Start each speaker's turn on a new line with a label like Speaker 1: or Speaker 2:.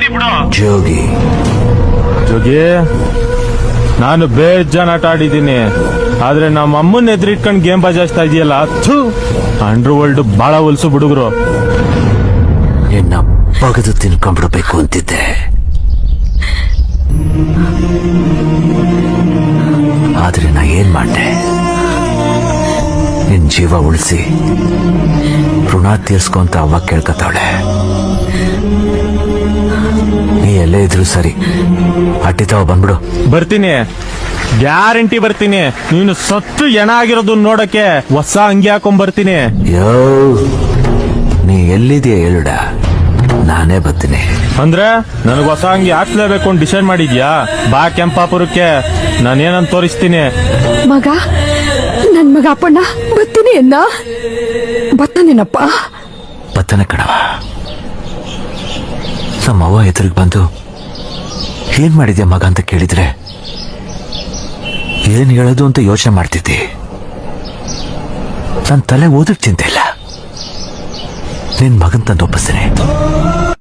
Speaker 1: ಬರ್ತೀನಿ ಬಿಡು.
Speaker 2: ಜೋಗಿ
Speaker 3: ಜೋಗಿ, ನಾನು ಬೇಜಾನ್ ಆಟ ಆಡಿದ್ದೀನಿ, ಆದ್ರೆ ನಮ್ಮ ಅಮ್ಮನ ಎದುರಿಟ್ಕೊಂಡು ಗೇಮ್ ಬಜಾಯಿಸ್ತಾ ಇದೆಯಲ್ಲ, ಅಂಡರ್ ವರ್ಲ್ಡ್ ಬಾಳ ಹೊಲ್ಸು ಹುಡುಗರು.
Speaker 2: ನಿನ್ನ ಬಗದು ತಿನ್ಕೊಂಡ್ಬಿಡ್ಬೇಕು ಅಂತಿದ್ದೆ, ಆದ್ರೆ ನಾ ಏನ್ ಮಾಡ್ದೆ? ನಿನ್ ಜೀವ ಉಳಿಸಿ ಋಣ ತೀರ್ಸ್ಕೊಂತ ಅವ್ವ ಕೇಳ್ಕತಾವಳೆ. ನೀ ಎಲ್ಲೇ ಇದ್ರು ಸರಿ, ಅಟ್ಟಿತಾವ ಬಂದ್ಬಿಡು.
Speaker 3: ಬರ್ತೀನಿ, ಗ್ಯಾರಂಟಿ ಬರ್ತೀನಿ. ನೀನು ಸತ್ತು ಎಣ ಆಗಿರೋದು ನೋಡಕ್ಕೆ ಹೊಸ ಅಂಗಿ ಹಾಕೊಂಡ್ ಬರ್ತೀನಿ.
Speaker 2: ಯೋ, ನೀ ಎಲ್ಲಿದೆಯಾ ಹೇಳುಡ, ನಾನೇ ಬರ್ತೀನಿ.
Speaker 3: ಅಂದ್ರೆ ನನಗ್ ಹೊಸ ಅಂಗಿ ಹಾಕ್ಲೇಬೇಕು ಅಂತ ಡಿಸೈಡ್ ಮಾಡಿದ್ಯಾ? ಬಾ ಕೆಂಪಾಪುರಕ್ಕೆ, ನಾನೇನಂತ ತೋರಿಸ್ತೀನಿ.
Speaker 4: ಮಗ, ನನ್ ಮಗ ಅಪ್ಪಣ್ಣ ಬರ್ತೀನಿ ಅನ್ನ ಬರ್ತಾನೇನಪ್ಪ.
Speaker 2: ಬತ್ತನೆ ಕಣವ. ನಮ್ಮವ್ವ ಎದುರಿಗೆ ಬಂದು ಏನ್ ಮಾಡಿದ್ಯಾ ಮಗ ಅಂತ ಕೇಳಿದ್ರೆ ಏನ್ ಹೇಳೋದು ಅಂತ ಯೋಚನೆ ಮಾಡ್ತಿದ್ದಿ. ನನ್ನ ತಲೆ ಓದಕ್ ಚಿಂತೆ ಇಲ್ಲ. ನಿನ್ ಮಗನ್ ತಂದು ಒಪ್ಪಿಸ್ತೀನಿ.